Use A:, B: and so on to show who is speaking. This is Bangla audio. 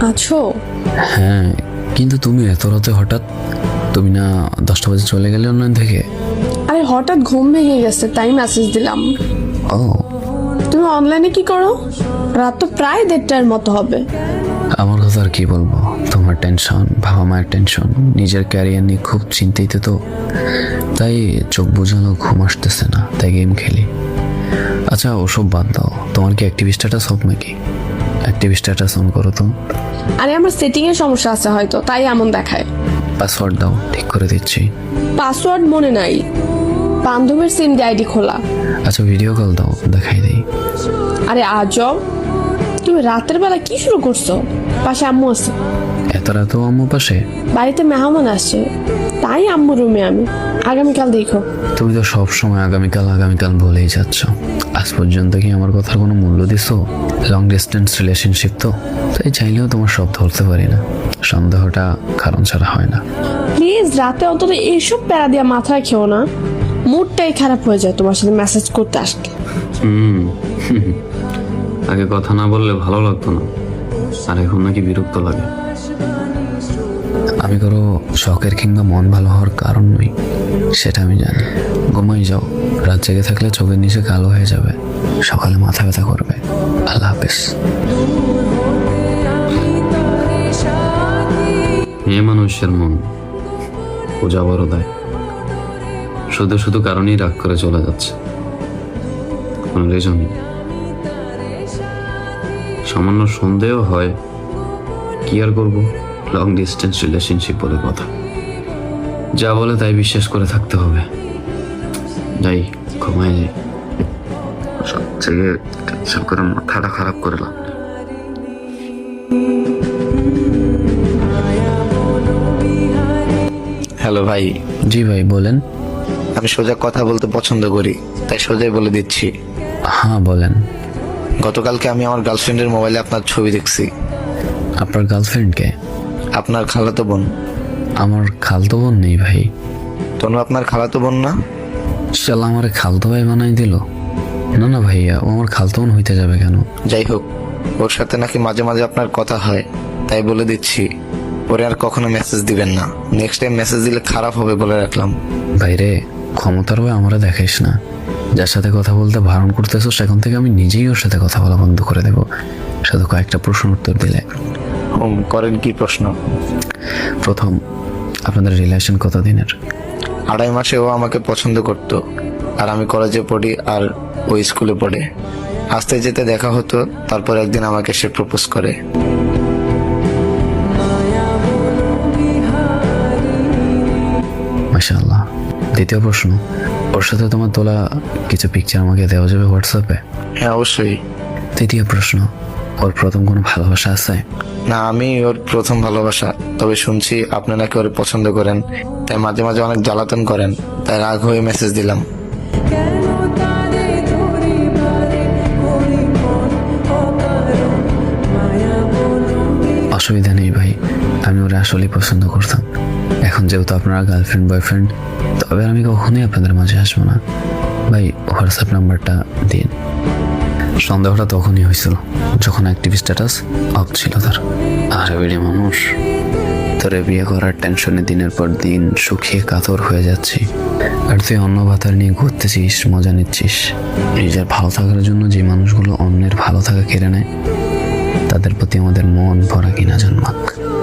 A: আছো?
B: হ্যাঁ, কিন্তু তুমি এত রাতে হঠাৎ? তুমি না 10টা বাজে চলে গেলে অনলাইন থেকে?
A: আরে হঠাৎ ঘুম ভেঙে গেছে তাই মেসেজ দিলাম।
B: ও,
A: তুমি অনলাইনে কি করো? রাত তো প্রায় 1:30টার মতো হবে।
B: আমার কথা আর কি বলবো, তোমার টেনশন, বাবা মায়ের টেনশন, নিজের ক্যারিয়ার নিয়ে খুব চিন্তিত তো, তাই চোখ বোঝানো ঘুম আসতেছে না, তাই গেম খেলি। আচ্ছা ওসব বাদ দাও, তোমার কি অ্যাক্টিভ স্ট্যাটাস অফ নাকি? অ্যাক্টিভ স্ট্যাটাস অন করো তো।
A: আরে আমার সেটিং এর সমস্যা আছে হয়তো, তাই এমন দেখায়।
B: পাসওয়ার্ড দাও, ঠিক করে দিচ্ছি।
A: পাসওয়ার্ড মনে নাই, বান্ধবীর সিম দিয়ে আইডি খোলা।
B: আচ্ছা ভিডিও কল দাও, দেখাই দিই।
A: আরে আজব, তুমি রাতের বেলা কি শুরু করছো? পাশে আম্মু আছে।
B: এত রাতেও আম্মু পাশে?
A: বাড়িতে মেহমান আসছে, তাই আম্মু রুমে আমি। আগামীকাল দেখো।
B: তুমি তো সব সময় আগামীকাল আগামীকাল বলেই যাচ্ছ। আজ পর্যন্ত কি আমার কথার কোনো মূল্য দিছো? লং ডিস্টেন্স রিলেশনশিপ তো, তাই চাইলেও তোমার সব ধরতে পারি না। সন্দেহটা কারণ ছাড়া হয় না।
A: প্লিজ রাতে অন্তত এইসব প্যারা দিয়া মাথায় খেও না, মুডটাই খারাপ হয়ে যায় তোমার সাথে মেসেজ করতে আসলে।
B: আগে কথা না বললে ভালো লাগতো না, আর এখন নাকি বিরক্ত লাগে। আমি কারো শখের কিংবা মন ভালো হওয়ার কারণ নই, সেটা আমি জানি। ঘুমাই যাও, রাত জেগে থাকলে চোখের নিচে কালো হয়ে যাবে, সকালে মাথা ব্যথা করবে। আল্লাহ হাফেজ। মেয়ে মানুষের মন পূজা বড় দেয়, শুধু শুধু কারণেই রাগ করে চলে যাচ্ছে, কোনো রিজন নেই। সামান্য সন্দেহ হয়, কি আর করবো, লং ডিস্টেন্স রিলেশনশিপ বলে কথা। যা বলে তাই বিশ্বাস করে থাকতে হবে। যাই, ঘুমায় যাই, সব থেকে টেনশন করে মাথাটা খারাপ করে লাভ নেই।
C: হ্যালো ভাই।
B: জি ভাই বলেন।
C: আমি সোজা কথা বলতে পছন্দ করি, তাই সোজাই বলে দিচ্ছি।
B: হ্যাঁ বলেন।
C: গতকালকে আমি আমার গার্লফ্রেন্ডের মোবাইলে আপনার ছবি দেখছি।
B: আপনার গার্লফ্রেন্ডকে?
C: আপনার খালাতো বোন।
B: আমার খালতো বোন নেই ভাই।
C: তনু আপনার খালাতো বোন না?
B: শালা আমার খালতো ভাই বানাই দিল। না না ভাইয়া, ও আমার খালতো বোন হইতে যাবে কেন?
C: যাই হোক, ওর সাথে নাকি মাঝে মাঝে আপনার কথা হয়, তাই বলে দিচ্ছি ওরে আর কখনো মেসেজ দিবেন না। নেক্সট টাইম মেসেজ দিলে খারাপ হবে বলে রাখলাম।
B: ভাইরে, ক্ষমতার ভাই আমরা দেখাইস না। যার সাথে কথা বলতে বারণ করতেছো, সেখান থেকে আমি নিজেই ওর সাথে কথা বলা বন্ধ করে দেবো, শুধু কয়েকটা প্রশ্ন উত্তর দিলে।
C: করেন কি প্রশ্ন?
B: প্রথম, আপনাদের রিলেশন কতদিনের?
C: 2.5 মাসে ও আমাকে পছন্দ করতো, আর আমি কলেজে পড়ি আর ও স্কুলে পড়ে। আসতে যেতে দেখা হতো, তারপর একদিন আমাকে সে প্রপোজ করে।
B: মাশাআল্লাহ। দ্বিতীয় প্রশ্ন, ওর সাথে তোমার তোলা কিছু পিকচার আমাকে দেওয়া যাবে হোয়াটসঅ্যাপে?
C: হ্যাঁ অবশ্যই।
B: তৃতীয় প্রশ্ন, ওর প্রথম কোনো ভালোবাসা আছে?
C: না, আমি ওর প্রথম ভালোবাসা। তবে শুনছি আপনি নাকি ওর পছন্দ করেন, তাই মাঝে মাঝে অনেক জ্বালাতন করেন, তাই রাগ হয়ে মেসেজ দিলাম।
B: অসুবিধা নেই ভাই, আমি ওরা আসলেই পছন্দ করতাম। এখন যেহেতু আপনারা গার্লফ্রেন্ড বয়ফ্রেন্ড, তবে আমি কখনোই আপনাদের মাঝে আসবো না। ভাই হোয়াটসঅ্যাপ নাম্বারটা দিন। সন্দেহটা তখনই হয়েছিল যখন অ্যাক্টিভ স্ট্যাটাস অফ ছিল তার। আরে বেড়ে মানুষ, তোরে বিয়ে করার টেনশনে দিনের পর দিন শুকিয়ে কাতর হয়ে যাচ্ছি, আর তুই অন্য ভাতার নিয়ে ঘুরতেছিস, মজা নিচ্ছিস। নিজের ভালো থাকার জন্য যে মানুষগুলো অন্যের ভালো থাকা কেড়ে নেয়, তাদের প্রতি আমাদের মন ভরা কিনা জন্মাক।